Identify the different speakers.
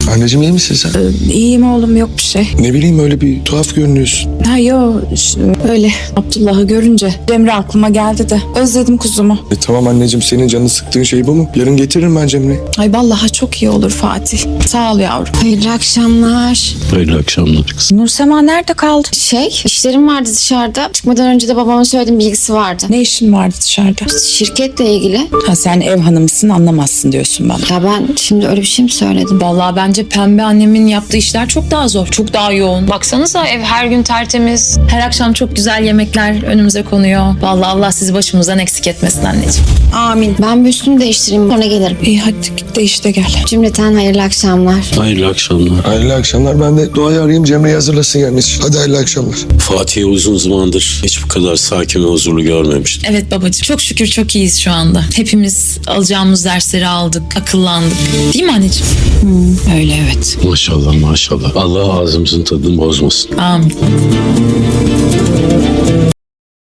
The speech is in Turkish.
Speaker 1: Anneciğim iyi misin sen?
Speaker 2: İyiyim oğlum, yok bir şey.
Speaker 1: Ne bileyim öyle bir tuhaf görünüyorsun.
Speaker 2: Ha yo, öyle Abdullah'ı görünce Cemre aklıma geldi de özledim kuzumu.
Speaker 1: Tamam anneciğim, senin canını sıktığın şey bu mu? Yarın getiririm ben Cemre'yi.
Speaker 2: Ay vallahi çok iyi olur Fatih. Sağ ol yavrum.
Speaker 3: Hayırlı akşamlar.
Speaker 4: Hayırlı akşamlar kızım.
Speaker 2: Nursema nerede kaldı?
Speaker 3: İşlerim vardı dışarıda. Çıkmadan önce de babama söylediğim bilgisi vardı.
Speaker 2: Ne işin vardı dışarıda?
Speaker 3: Şirketle ilgili.
Speaker 2: Ha, sen ev hanımısın, anlamazsın diyorsun bana.
Speaker 3: Ya ben şimdi öyle bir şey mi söyledim?
Speaker 5: Vallahi bence Pembe annemin yaptığı işler çok daha zor, çok daha yoğun. Baksanıza ev her gün tertemiz. Her akşam çok güzel yemekler önümüze konuyor. Vallahi Allah sizi başımızdan eksik etmesin anneciğim.
Speaker 2: Amin.
Speaker 3: Ben bir üstümü değiştireyim, sonra gelirim.
Speaker 2: İyi hadi git de işte gel.
Speaker 3: Cümleten hayırlı akşamlar.
Speaker 4: Hayırlı akşamlar.
Speaker 1: Hayırlı akşamlar. Ben de Doğa'yı arayayım, Cemre'yi hazırlasın gelmesi. Hadi hayırlı akşamlar.
Speaker 4: Fatih'i uzun zamandır hiç bu kadar sakin ve huzurlu görmemiştim.
Speaker 5: Evet babacığım, çok şükür çok iyiyiz şu anda. Hepimiz alacağımız dersleri aldık, akıllandık. Değil mi anneciğim?
Speaker 2: Öyle evet.
Speaker 4: Maşallah maşallah. Allah ağzımızın tadını bozmasın.
Speaker 5: Amin.